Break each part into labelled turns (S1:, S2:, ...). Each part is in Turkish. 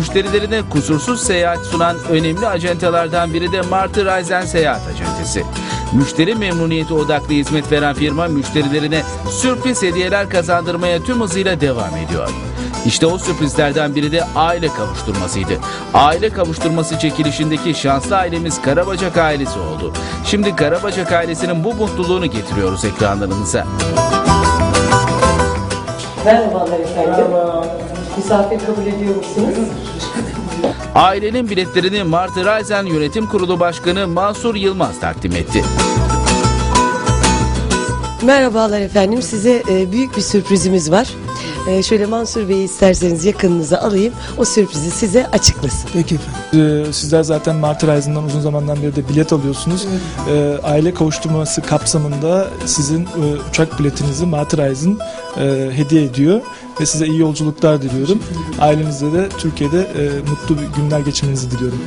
S1: müşterilerine kusursuz seyahat sunan önemli acentelerden biri de Martı Reisen Seyahat Acentesi. Müşteri memnuniyeti odaklı hizmet veren firma müşterilerine sürpriz hediyeler kazandırmaya tüm hızıyla devam ediyor. İşte o sürprizlerden biri de aile kavuşturmasıydı. Aile kavuşturması çekilişindeki şanslı ailemiz Karabacak ailesi oldu. Şimdi Karabacak ailesinin bu mutluluğunu getiriyoruz ekranlarınıza.
S2: Merhabalar efendim. Merhaba. Misafir kabul ediyor musunuz?
S1: Ailenin biletlerini Martı Reisen Yönetim Kurulu Başkanı Mansur Yılmaz takdim etti.
S2: Merhabalar efendim. Size büyük bir sürprizimiz var. Şöyle Mansur Bey'i isterseniz yakınınıza alayım. O sürprizi size açıklasın.
S3: Peki efendim. Sizler zaten Martı Reisen'dan uzun zamandan beri de bilet alıyorsunuz. Aile kavuşturması kapsamında sizin uçak biletinizi Martı Reisen hediye ediyor. Ve size iyi yolculuklar diliyorum. Ailenizle de Türkiye'de mutlu günler geçirmenizi diliyorum.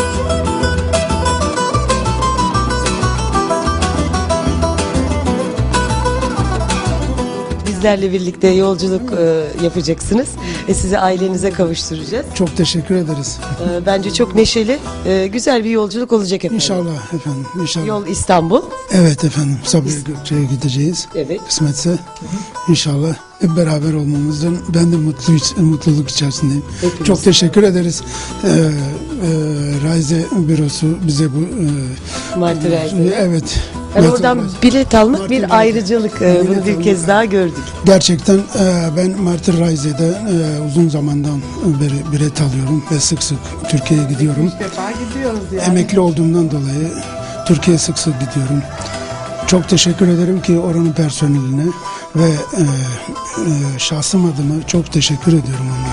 S2: Bizlerle birlikte yolculuk yapacaksınız. Sizi ailenize kavuşturacağız.
S4: Çok teşekkür ederiz.
S2: Bence çok neşeli, güzel bir yolculuk olacak efendim.
S4: İnşallah efendim, inşallah.
S2: Yol İstanbul.
S4: Evet efendim, Sabiha Gökçe'ye gideceğiz.
S2: Evet.
S4: Kısmetse inşallah hep beraber olmamızdan ben de mutluluk içerisindeyim.
S2: Hepimiz.
S4: Çok teşekkür ederiz. Raize bürosu bize bu
S2: Martı Reisen.
S4: evet.
S2: Yani oradan bilet almak
S4: Martı
S2: bir
S4: Reisen.
S2: ayrıcalık.
S4: Bilet
S2: Bunu bir
S4: almak.
S2: kez daha gördük.
S4: Gerçekten ben Martı Reise'de uzun zamandan beri bilet alıyorum ve sık sık Türkiye'ye gidiyorum.
S5: defa gidiyoruz yani.
S4: Emekli olduğumdan dolayı Türkiye'ye sık sık gidiyorum. Çok teşekkür ederim ki oranın personeline ve şahsım adıma çok teşekkür ediyorum onlara.